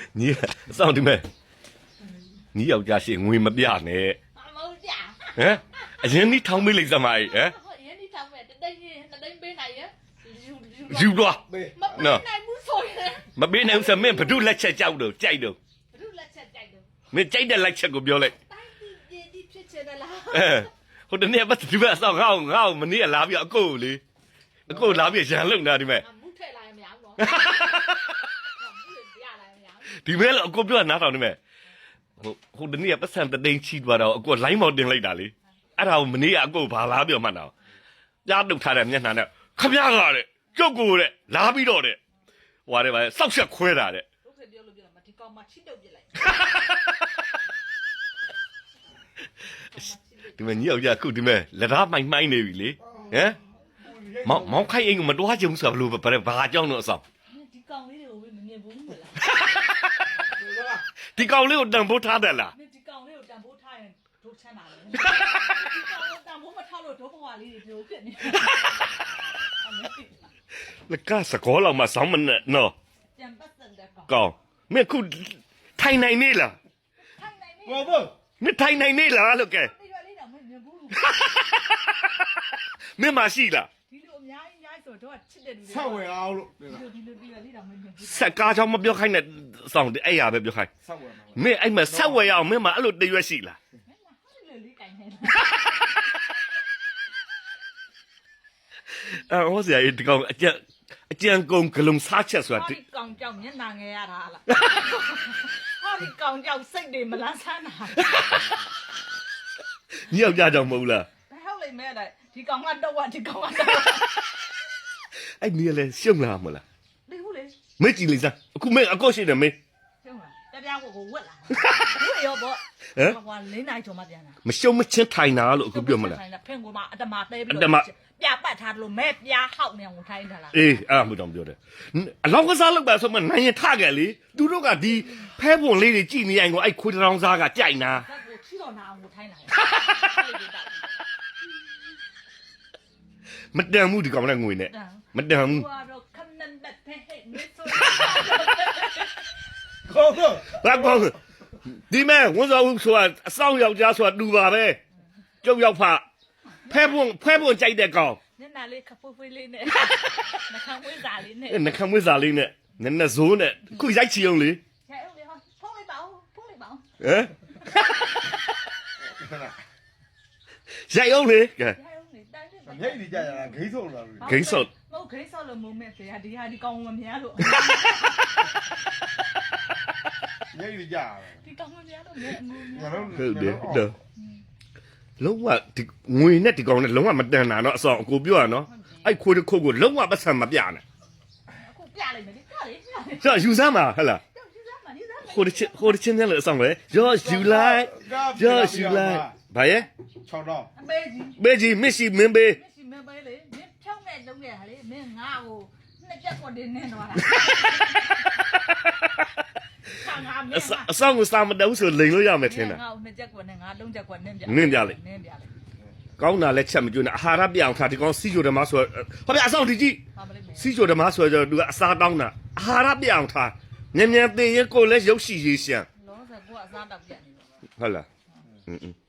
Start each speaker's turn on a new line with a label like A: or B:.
A: 你上对没？你要家是我没变呢。
B: 冇假。
A: 哎，人你汤没来什么？哎，
B: 人你ทำแบบได้ไปไหนอะ
A: 有多？
B: มาไปไหนมูสวยเลย
A: မပေးနိုင်စမင်းဘဒုလက်ချက်ကြောက်တော့ကြိုက်တော့
B: รู้ละชัดใจดู
A: မင်းကြိုက်တဲ့လက်ချက်ကိုပြောလိုက်
B: ตั้งที่ဖြစ်ချင်တယ်လား
A: ဟိုတနေ့ပတ်ဒီဘက်အဆောင်ငါ့မနေ့ကလာပြီးအကိုလေအကိုလာပြီးရန်လုံတာဒီမဲ့
B: မူထဲလာရင်မရဘူးနော်မူရလာရင်မရဘူး
A: ဒီမဲ့အကိုပြောနားထောင်ဒီမဲ့ဟိုတနေ့ပတ်စံတသိန်းချီသွားတော့အကိုလိုင်းမော်တင်လိုက်တာလေအဲ့ဒါကိုမနေ့ကအကိုဘာလာပြောမှန်းတော့ကြားတုတ်ထားတဲ့မျက်နှာနဲ့ခမရကတဲ့ကျုပ်ကိုတဲ့လာပြီးတော့တဲ့ဟွာတဲ့ဗျစောက်ချက်ခွဲတာတဲ့
B: ဟုတ်ကဲ့ပြောလို့ပြောမှာဒီကောင်မှချစ်တော့ပြလိုက်
A: ဒီမဲ့ညောက်ကြခုဒီမဲ့လက်သားမိုင်းနေပြီလေဟမ်မောင်ခိုင်အိမ်ကမတွားကြုံဆိုဘလို့ဘာအကြောင်းတော့အဆောင်
B: ဒီကောင်လေးတွေကိုမမြင်ဘူးမလား
A: ဒီကောင်လေးကိုတန်ဖိုးထားတယ်လား
B: ဒီကောင်လေးကိုတန်ဖိုးထားရင်ဒုချမ်းတာလေဒီကောင်ကိုတန်ဖိုးမထားလို့ဒုဘဝလေးတွေပြောဖြစ်နေ
A: လက်ကစကောလောက်မှဆောင်းမနဲ့နော်
B: ကြံပတ်စံတဲ့ကောင်
A: ကောင်းမင်းခုထိုင်နိုင်နေလား
B: ထိုင်နိုင်နေ
C: ဘောဘော
A: မင်းထိုင်နိုင်နေလားလို့ကဲ
B: ဒီလိုလေးတော့မမြင်ဘူး
A: မင်းမရှိလား
B: ဒီလိုအများကြီးဆိုတော့ချစ်တဲ့လူတွေ
C: ဆောက်ဝယ်အောင်လို့
B: ဒီလိုလေးတော့မမြင်ဘူး
A: ဆက်ကားချောင်းမပြောခိုင်းနဲ့စောင်းအဲ့ရပဲပြောခိုင်း
C: ဆောက်ဝယ်မှာ
A: မင်းအဲ့မှာဆက်ဝယ်ရအောင်မင်းမအဲ့လိုတရွက်ရှိလား
B: မင်းဟာလေလေးကင်နေ
A: ဟောစရာဒီကောင်အကြံကုန်ဂလုံးစားချက်ဆိုတာ
B: ဒီကောင်ကြောက်မျက်နှာငယ်ရတာလားဟာဒီကောင်ကြောက်စိတ်တွေမလန်းဆန်းတာ
A: ညောက်ကြကြောင်မဟုတ်လား
B: ဘယ်ဟုတ်လိမ့်မဲတဲ့ဒီကောင်ကတော့ဒီကောင်ကတော့
A: အဲ့နီးလည်းရှုံလာမလား
B: ဒီဟုတ်လေ
A: မင်းကြည့်လိုက်စမ်းအခုမင်းအကောရှိတယ်မင်း
B: ကျုံးလားတပြားကိုဝက်လာဝက်ရောပေါ့ဟွာလင်းနိုင်ချုံမပြန်တာ
A: မရှုံမချင်းထိုင်တာလို့အခုပြောမလား
B: ဖင်ကိုမှအတမသေးပြီး
A: အတမ
B: ပြပတ်ထားတယ်လို့မဲပြားဟောက်နေအောင်ထိုင်းထားလား
A: အေးအဲ့မှတော့ပြောတယ်အလောင်းကစားလောက်ပါဆိုမှနိုင်ရင်ထခဲ့လေသူတို့ကဒီဖဲပွန်လေးတွေကြည်နေရင်ကိုအဲ့ခွေးတောင်စားကကြိုက်နာ
B: ဇက်ကိုချီတော်နာအောင်ထိုင်းလာတယ်
A: မတန်ဘူးဒီကောင်နဲ့ငွေနဲ့မတန်ဘူး
B: ဟွာတော့ခဏနဲ့တဲ့ဟဲ့မစ်ဆို
C: ခေါ်ခေါ်
A: ဘာကောဒီမဲ့ဝန်ဆောင်ဦးဆိုတာအဆောင်ယောက်ျားဆိုတာတူပါပဲကျုပ်ရောက်ဖဖဲပွန်ကြိုက်တဲ့ကောင်
B: ညနာလေးခဖွေးဖွေးလေးနဲ့နှခမ်းဝင်းစာလေးနဲ့
A: နှခမ်းမွေးစာလေးနဲ့နည်းနည်းဇိုးနဲ့ခုရိုက်ချီအောင်လေ
B: ရဲအောင်လေဟာဖုန်းလိုက်ပါဦးဖုန်းလိုက်ပါဦး
A: ဟမ်ရိုက်အောင်လေကဲ
B: ရဲအောင်လေတိုင်းနေပါ
C: မြိတ်နေကြရတာဂိမ်းဆုံးလာလို့
A: ဂိမ်းဆော့
B: ဟုတ်ဂိမ်းဆော့လို့မုံမဲ့ဖေဟာဒီဟာဒီကောင်မများလို့
C: မြိတ်နေကြရတာ
B: ဒီကောင်မများလို့မဲအငူ
C: ငါ
B: များ
C: တို့
A: ဟုတ်တယ်တော့လုံးဝဒီငွေနဲ့ဒီကောင်နဲ့လုံးဝမတန်တာတော့အဆောင်အကိုပြောရနော်အဲ့ခွေးတစ်ခုတ်ကိုလုံးဝပတ်စံမပြနဲ့
B: အခုပြလိုက်မယ်လေပြလေပြလေ
A: ဆိုယူစမ်းပါဟဲ့လား
B: ကြောက်ကြည့်စမ်းပါနေစမ်း
A: ဟိုတစ်ချင်းနဲ့လည်းအဆောင်လေရောယူလိုက်ရောယူလိုက်ဘာရဲ့
C: 6တော့
B: အမေကြီး
A: ဘေးကြီးမရှိမင်းဘေး
B: မရှိမပဲလေမင်းဖြောင်းနဲ့လုံးခဲ့ဟာလေမင်းငါ့ကိုနှစ်ချက်ကိုတင်းနေတော့တာခါငါမင်း
A: အဆောင်ကိုစာမတုံးဆိုလိန်လို့ရမယ်ထင်တာ
B: ငါ့ကိုနှစ်ချက်ကိုနဲ့ငါလုံးချက်ကိုနင်းပြ
A: နင်းပြလိုက်
B: နင်းပြလိုက်
A: ကောင်းတာလည်းချက်မကျွန်းနဲ့အာဟာရပြအောင်ထားဒီကောင်စီချိုဓမ္မဆိုဟောပြအဆောင်ဒီကြည့်
B: ပါမလေးမယ်
A: စီချိုဓမ္မဆိုတော့သူကအစားတောင်းတာအာဟာရပြအောင်ထားမြန်မြန်သိရင်ကိုယ်လည်းရုပ်ရှိရေးရှမ်း
B: လောဆယ်ကိုကအစားတောက်ပြနေတော့
A: ဟုတ်လား